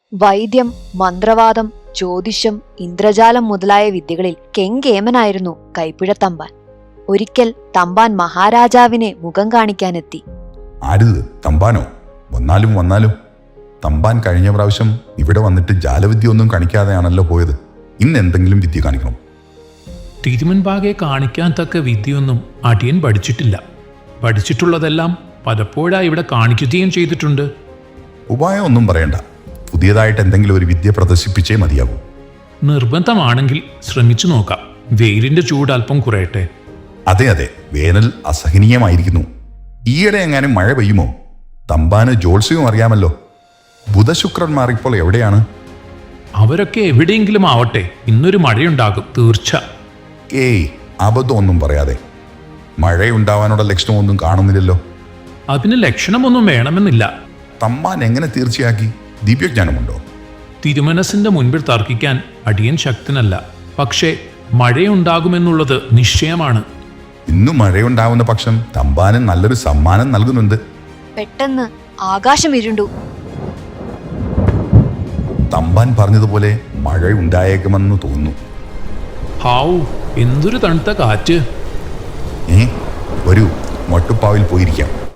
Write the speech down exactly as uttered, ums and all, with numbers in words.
വൈദ്യം, മന്ത്രവാദം, ജ്യോതിഷം, ഇന്ദ്രജാലം മുതലായ വിദ്യകളിൽ കെങ്കേമനായിരുന്നു കൈപ്പിഴത്തമ്പാൻ. ഒരിക്കൽ തമ്പാൻ മഹാരാജാവിനെ മുഖം കാണിക്കാനെത്തി. ആരുത്? തമ്പാനോ? വന്നാലും വന്നാലും. തമ്പാൻ കഴിഞ്ഞ പ്രാവശ്യം ഇവിടെ വന്നിട്ട് ജാലവിദ്യ ഒന്നും കാണിക്കാതെയാണല്ലോ പോയത്. ഇന്ന് എന്തെങ്കിലും വിദ്യ കാണിക്കണം. തിരുമുൻപാകെ കാണിക്കാൻ തക്ക വിദ്യയൊന്നും അടിയൻ പഠിച്ചിട്ടില്ല. പഠിച്ചിട്ടുള്ളതെല്ലാം പലപ്പോഴായി ഇവിടെ കാണിക്കുകയും ചെയ്തിട്ടുണ്ട്. ഉപായം ഒന്നും പറയണ്ട. പുതിയതായിട്ട് എന്തെങ്കിലും ഒരു വിദ്യ പ്രദർശിപ്പിച്ചേ മതിയാകൂ. നിർബന്ധമാണെങ്കിൽ ശ്രമിച്ചു നോക്കാം. വെയിലിന്റെ ചൂട് അല്പം കുറയട്ടെ. അതെ അതെ, വേനൽ അസഹനീയമായിരിക്കുന്നു. ഈയിടെ എങ്ങാനും മഴ പെയ്യുമോ? തമ്പാന് ജ്യോത്സ്യവും അറിയാമല്ലോ. ബുധശുക്രന്മാർ ഇപ്പോൾ എവിടെയാണ്? അവരൊക്കെ എവിടെയെങ്കിലും ആവട്ടെ, ഇന്നൊരു മഴയുണ്ടാകും തീർച്ച. ഏയ്, അബദ്ധമൊന്നും പറയാതെ. മഴയുണ്ടാവാനുള്ള ലക്ഷണമൊന്നും കാണുന്നില്ലല്ലോ. അതിന് ലക്ഷണമൊന്നും വേണമെന്നില്ല. തമ്പാൻ എങ്ങനെ തീർച്ചയാക്കി? ദിവ്യജ്ഞാനമുണ്ടോ? തിരുമനസിന്റെ മുൻപിൽ തർക്കിക്കാൻ അടിയൻ ശക്തനല്ല. പക്ഷേ മഴയുണ്ടാകുമെന്നുള്ളത് നിശ്ചയമാണ്. ഇന്നു മഴയുണ്ടാവുന്ന പക്ഷം തമ്പാന് നല്ലൊരു സമ്മാനം നൽകുന്നുണ്ട്. പെട്ടെന്ന് ആകാശം ഇരുണ്ടു. തമ്പാൻ പറഞ്ഞതുപോലെ മഴ ഉണ്ടായേക്കുമെന്ന് തോന്നുന്നു. ഹാവൂ, എന്തൊരു തണുത്ത കാറ്റ്! ഏ, വരൂ, മട്ടുപ്പാവിൽ പോയിരിക്കാം.